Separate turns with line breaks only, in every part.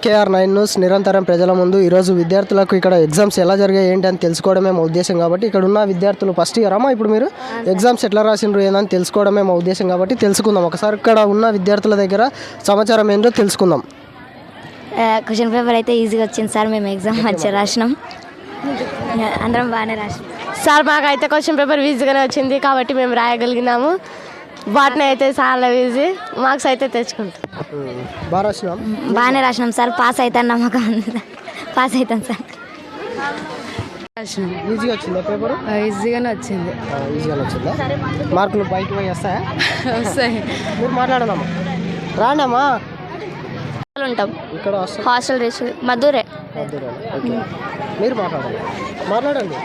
SKR9 news నిరంతరం ప్రజల ముందు. ఈరోజు విద్యార్థులకు ఇక్కడ ఎగ్జామ్స్ ఎలా జరిగాయి ఏంటి అని తెలుసుకోవడమే మా ఉద్దేశం కాబట్టి ఇక్కడ ఉన్న విద్యార్థులు ఫస్ట్ ఇయర్ అమ్మా ఇప్పుడు మీరు ఎగ్జామ్స్ ఎట్లా రాసిండ్రు ఏందని తెలుసుకోవడమే మా ఉద్దేశం కాబట్టి తెలుసుకుందాం. ఒకసారి ఇక్కడ ఉన్న విద్యార్థుల దగ్గర సమాచారం ఏంటో తెలుసుకుందాం.
క్వశ్చన్ పేపర్ అయితే ఈజీగా వచ్చింది సార్. మేము ఎగ్జామ్ మంచిగా రాసినాం, అందరం బాగానే రాసినాం
సార్. మాకైతే క్వశ్చన్ పేపర్ ఈజీగానే వచ్చింది కాబట్టి మేము రాయగలిగినాము. వాటిని అయితే చాలా ఈజీ మార్క్స్ అయితే తెచ్చుకుంటాం.
బాగానే రాసినాం సార్. పాస్ అవుతాను నమ్మకం ఉంది. పాస్ అవుతాం సార్.
ఈజీగానే వచ్చింది.
మార్కులు బయట పోయి వస్తాయా?
వస్తాయి.
మీరు మాట్లాడదామా? రాండమ్మా.
ఉంటాం
ఇక్కడ
హాస్టల్ రేస్ మధురే.
మీరు మాట్లాడండి. మాట్లాడండి.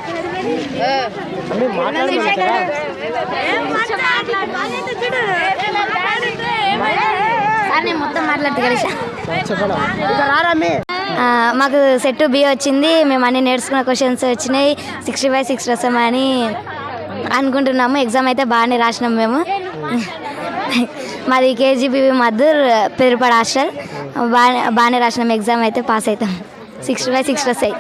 మొత్తం మాట్లాడితే కలిసి
చెప్పండి.
మాకు సెట్ బి వచ్చింది. మేము అన్ని నేర్చుకున్న క్వశ్చన్స్ వచ్చినాయి. 60/6 రాసామని అనుకుంటున్నాము. ఎగ్జామ్ అయితే బాగానే రాసినాం మేము. మాది KGB మద్దూర్ పెరుపాడు హాస్టల్. బాగానే రాసినాం. ఎగ్జామ్ అయితే పాస్ అవుతాం. 60/6 వస్తాయి.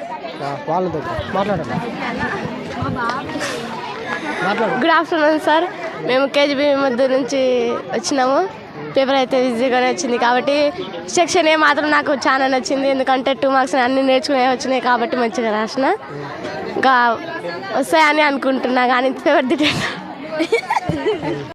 Good afternoon sir. మేము KGB మద్దూర్ నుంచి వచ్చినాము. పేపర్ అయితే ఈజీగానే వచ్చింది కాబట్టి సెక్షన్ ఏ మాత్రం నాకు చాలా నచ్చింది. ఎందుకంటే 2 మార్క్స్ అన్నీ నేర్చుకునే వచ్చినాయి కాబట్టి మంచిగా రాసిన. ఇంకా వస్తాయని అనుకుంటున్నా కానీ పేపర్ దిట్ట